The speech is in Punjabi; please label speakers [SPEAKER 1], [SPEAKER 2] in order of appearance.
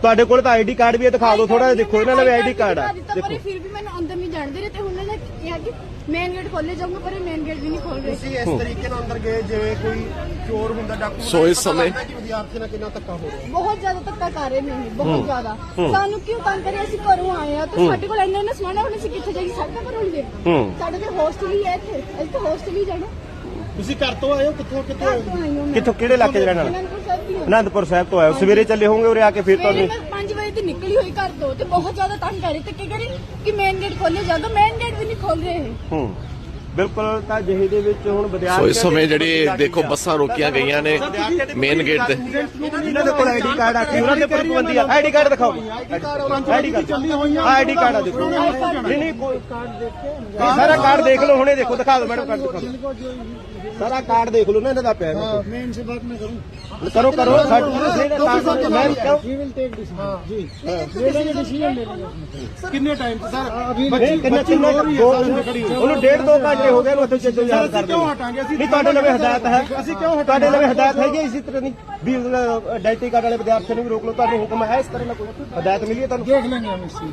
[SPEAKER 1] ਤੁਹਾਡੇ ਕੋਲ ਤਾਂ ਆਈਡੀ ਕਾਰਡ ਵੀ ਹੈ, ਦਿਖਾ ਦਿਓ ਥੋੜਾ ਜਿਹਾ। ਦੇਖੋ ਇਹਨਾਂ ਦਾ ਆਈਡੀ ਕਾਰਡ ਆ।
[SPEAKER 2] ਦੇਖੋ ਫਿਰ ਵੀ ਮੈਨੂੰ ਅੰਦਰ ਨਹੀਂ ਜਾਣ ਦੇ ਰਹੇ ਤੇ ਉਹਨਾਂ ਨੇ ਕਿਹਾ ਕਿ ਮੇਨ ਗੇਟ ਖੋਲੇ ਜਾਊਗਾ, ਪਰ ਮੇਨ ਗੇਟ ਵੀ ਨਹੀਂ ਖੋਲ ਰਹੇ।
[SPEAKER 3] ਤੁਸੀਂ ਇਸ ਤਰੀਕੇ ਨਾਲ ਅੰਦਰ ਗਏ ਜਿਵੇਂ ਕੋਈ ਚੋਰ ਹੁੰਦਾ, ਡਾਕੂ।
[SPEAKER 4] ਸੋ ਇਸ ਸਮੇਂ
[SPEAKER 3] ਵਿਦਿਆਰਥੀ ਨਾਲ ਕਿੰਨਾ ਧੱਕਾ ਹੋ ਰਿਹਾ,
[SPEAKER 2] ਬਹੁਤ ਜ਼ਿਆਦਾ ਧੱਕਾ ਕਰ ਰਹੇ ਨੇ, ਬਹੁਤ ਜ਼ਿਆਦਾ। ਸਾਨੂੰ ਕਿਉਂ ਤੰਗ ਕਰਿਆ? ਅਸੀਂ ਘਰੋਂ ਆਏ ਆ ਤੇ ਸਾਡੇ ਕੋਲ ਇੰਨਾ ਸਮਾਨ ਹੈ, ਹੁਣ ਅਸੀਂ ਕਿੱਥੇ ਜਾਈਏ? ਸਾਡੇ ਘਰੋਂ ਹੀ ਦੇ ਸਾਡੇ ਤੇ ਹੋਸਟਲ ਹੀ ਹੈ ਇੱਥੇ, ਅਸੀਂ ਤਾਂ ਹੋਸਟਲ ਹੀ ਜਾਣਾ।
[SPEAKER 3] ਤੁਸੀਂ ਘਰ ਤੋਂ ਆਏ ਹੋ? ਕਿੱਥੋਂ ਕਿੱਥੋਂ ਆਏ ਹੋ?
[SPEAKER 1] ਕਿੱਥੋਂ, ਕਿਹੜੇ ਇਲਾਕੇ 'ਚ ਰਹਿਣ ਵਾਲੇ? ਅਨੰਦਪੁਰ ਸਾਹਿਬ ਤੋਂ ਆਏ ਹੋ। ਸਵੇਰੇ ਚੱਲੇ ਹੋਵੋਗੇ ਉਰੇ ਆ ਕੇ, ਫਿਰ ਤੁਹਾਨੂੰ
[SPEAKER 2] 5 ਵਜੇ ਤੇ ਨਿਕਲੀ ਹੋਈ ਘਰ ਤੋਂ ਤੇ ਬਹੁਤ ਜ਼ਿਆਦਾ ਤੰਗ ਕਰ ਰਹੀ ਤੇ ਕੀ ਕਰੀ ਕਿ ਮੇਨ ਗੇਟ ਖੋਲੇ ਜਾਗਾ, ਮੇਨ ਗੇਟ ਵੀ ਨਹੀਂ ਖੋਲ ਰਹੇ।
[SPEAKER 1] ਬਿਲਕੁਲ। ਤਾਂ ਜਿਹੇ ਦੇ ਵਿੱਚ ਹੁਣ ਵਿਦਿਆਰਥੀ
[SPEAKER 4] ਸੋ ਇਸ ਸਮੇਂ ਜਿਹੜੀ ਦੇਖੋ ਬੱਸਾਂ ਰੋਕੀਆਂ ਗਈਆਂ ਨੇ ਮੇਨ ਗੇਟ ਤੇ।
[SPEAKER 1] ਇਹਨਾਂ ਦੇ ਕੋਲ ਆਈਡੀ ਕਾਰਡ ਆ ਕੇ ਉਹਨਾਂ ਦੇ ਪ੍ਰਬੰਧੀ ਆ। ਆਈਡੀ ਕਾਰਡ ਦਿਖਾਓ, ਆਈਡੀ ਕਾਰਡ ਆਈਡੀ ਕਾਰਡ ਆ। ਦੇਖੋ ਨਹੀਂ ਨਹੀਂ ਕੋਈ ਕਾਰਡ ਦੇਖੋ, ਸਾਰਾ ਕਾਰਡ ਦੇਖ ਲਓ ਹੁਣੇ। ਦੇਖੋ ਦਿਖਾ ਦਿਓ ਮੈਡਮ, ਕਾਰਡ ਦਿਖਾ ਦਿਓ, ਸਾਰਾ ਕਾਰਡ ਦੇਖ ਲਓ ਨਾ ਇਹਨਾਂ ਦਾ ਪਿਆ।
[SPEAKER 3] मैं इनसे बात मैं करूं?
[SPEAKER 1] करो करो
[SPEAKER 3] जी विल टेक डिसीजन जी डिसीजन कितने टाइम से सर अभी
[SPEAKER 1] ਉਹਨੂੰ 1.5-2 ਘੰਟੇ ਹੋ ਗਏ ਨੂੰ ਉੱਥੇ ਚੱਲੋ ਯਾਰ ਕਰਦੇ।
[SPEAKER 3] ਕਿਉਂ ਹਟਾਂਗੇ? ਅਸੀਂ
[SPEAKER 1] ਨਹੀਂ ਤੁਹਾਡੇ ਲਵੇ ਹਦਾਇਤ ਹੈ,
[SPEAKER 3] ਅਸੀਂ ਕਿਉਂ
[SPEAKER 1] ਤੁਹਾਡੇ ਲਵੇ ਹਦਾਇਤ ਹੈਗੀ ਇਸੇ ਤਰ੍ਹਾਂ ਦੀ ਵੀ ਆਈਡੈਂਟੀ ਕਾਰਡ ਵਾਲੇ ਵਿਦਿਆਰਥੀਆਂ ਨੂੰ ਵੀ ਰੋਕ ਲਓ। ਤੁਹਾਨੂੰ ਹੁਕਮ ਹੈ ਇਸ ਤਰ੍ਹਾਂ ਦਾ ਕੋਈ ਹਦਾਇਤ ਮਿਲੀ ਹੈ ਤੁਹਾਨੂੰ?
[SPEAKER 3] देख लेंगे हम इस चीज